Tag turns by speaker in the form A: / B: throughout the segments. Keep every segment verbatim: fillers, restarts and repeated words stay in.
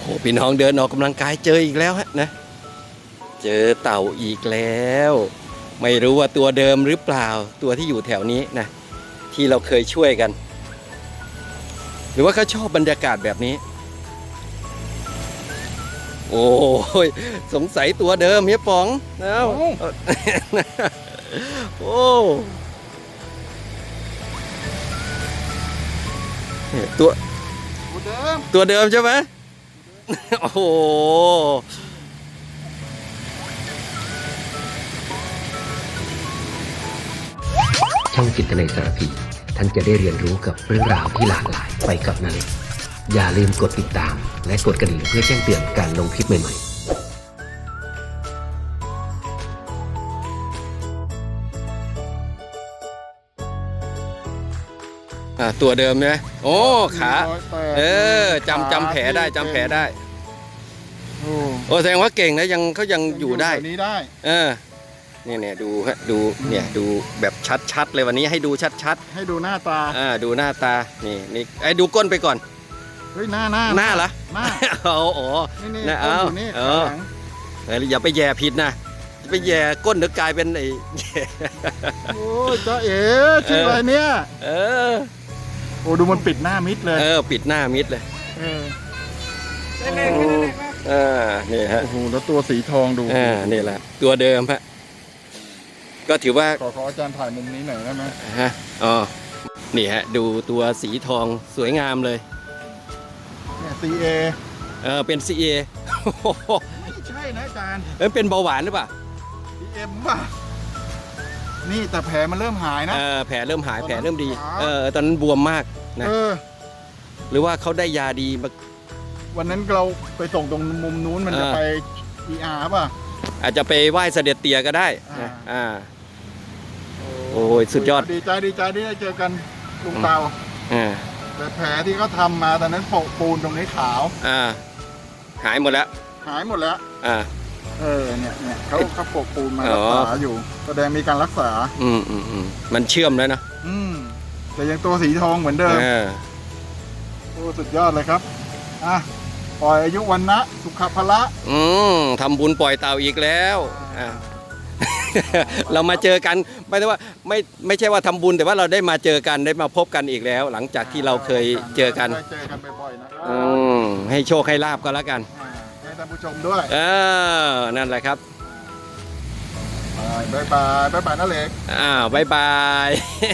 A: โอ้พี่น้องเดินออกกำลังกายเจออีกแล้วฮะนะเจอเต่าอีกแล้วไม่รู้ว่าตัวเดิมหรือเปล่าตัวที่อยู่แถวนี้นะที่เราเคยช่วยกันหรือว่าเขาชอบบรรยากาศแบบนี้โอ้ยสงสัยตัวเดิมเฮียป๋องแล้วโอ้ตัว
B: ตัวเดิม
A: ตัวเดิมใช่ไหมโอ้โห
C: ช่องจิตนาสารพีท่านจะได้เรียนรู้กับเรื่องราวที่หลากหลายไปกับนาเล็กอย่าลืมกดติดตามและกดกระดิ่งเพื่อแจ้งเตือนการลงคลิปใหม่ๆ
A: ตัวเดิมเนี่ยโอ้ขาเออจำจำแผลได้จำแผลได้โอ้แสดงว่าเก่งนะยังเขายังอยู่ได้
B: นี้ได้
A: เออเนี่ยเนี่ยดูฮะดูเนี่ยดูแบบชัดๆเลยวันนี้ให้ดูชัด
B: ๆให้ดูหน้าตา
A: อ่าดูหน้าตานี่นี่ไอ้ดูก้นไปก่อน
B: เฮ้ยหน้าหน้า
A: หน้าเหรอ
B: หน้า
A: โอ้โห
B: นี่
A: เอาเอออย่าไปแย่ผิดนะไปแย่ก้นเดี๋ยวกลายเป็นไอ้
B: โอ้จ้าเอ๋ชื่ออะไรเนี่ย
A: เออ
B: โอ้ดูมันปิดหน้ามิดเลย
A: เออปิดหน้ามิดเลย
B: เออ
A: อ่านี่ฮะ
B: โอ้โหแล้วตัวสีทองดู
A: อ่านี่แหละตัวเดิมฮะก็ถือว่า
B: ขอขออาจารย์ถ่ายมุมนี้หน่อยได้ไหม
A: ฮะอ๋อนี่ฮะดูตัวสีทองสวยงามเลย
B: เนี่ย ซี เอ
A: เออเป็น ซี เอ
B: ไม่ใช่นะอาจารย์
A: เออเป็นเบาหวานหรือเปล่า
B: ซี เอ็ม ป่ะนี่แต่แผลมันเริ่มหายนะ
A: เออแผลเริ่มหายแผลเริ่มดีเออตอนนั้นบวมมากนะหรือว่าเขาได้ยาดีมา
B: วันนั้นเราไปส่งตรงมุมนู้นมันจะไป อี อาร์ ป่ะ
A: อาจจะไปไหว้เสด็จเตี่ยก็ได้อ่าโอ้ยสุดยอด
B: ดีใจดีใจที่ได้เจอกันลุงเตาแต่แผลที่เขาทำมาตอนนั้นโปะปูนตรงนี้ขาว
A: อ่าหายหมดแล้ว
B: หายหมดแล้ว
A: อ่า
B: เออเนี่ยเนี่ยเขาเขาโปะปูนมารักษาอยู่แสดงมีการรักษา
A: อืมอืมอืมมันเชื่อมแล้วนะ
B: อืมแต่ยังตัวสีทองเหมือนเดิมโอ้สุดยอดเลยครับอ่ะปล่อยอายุวันนะสุขภละ
A: อืมทำบุญปล่อยเต่าอีกแล้วอ่าเรามาเจอกันไม่ใช่ว่าไม่ไม่ใช่ว่าทำบุญแต่ว่าเราได้มาเจอกันได้มาพบกันอีกแล้ว หลังจากที่เราเคยเจอกัน
B: เจอกันบ่อยๆนะครับ
A: อืมให้โชคให้ลาบก็แล้วกัน
B: ให้ท่านผู้ชมด้วย
A: เออนั่นแหละครับ
B: บายบายบายบายนั่นเล็ก
A: อ้าวบายบาย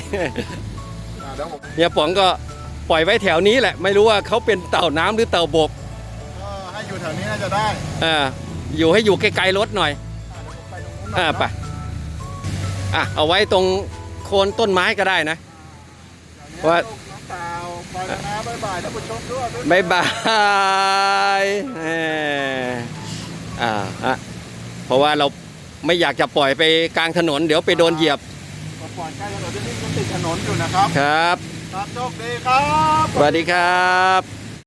A: เนี่ยป๋องก็ปล่อยไว้แถวนี้แหละไม่รู้ว่าเขาเป็นเต่าน้ำหรือเต่าบก
B: ก็ให้อยู่แถวนี้น่าจะได้
A: อ่าอยู่ให้อยู่ไกลๆรถหน่อยอ่าไปอ่ะเอาไว้ตรงโคนต้นไม้ก็ได้นะว่า
B: บายบายท่านผู้ชมด้วย
A: บายบายอ่าฮะเพราะว่าเราไม่อยากจะปล่อยไปกลางถนนเดี๋ยวไปโดนเหยียบ
B: ปล่อยใกล้ถนนที่นี่มันติดถนนอยู่นะครับ
A: ครับ
B: ครับโชคดีครับ
A: สวัสดีครับ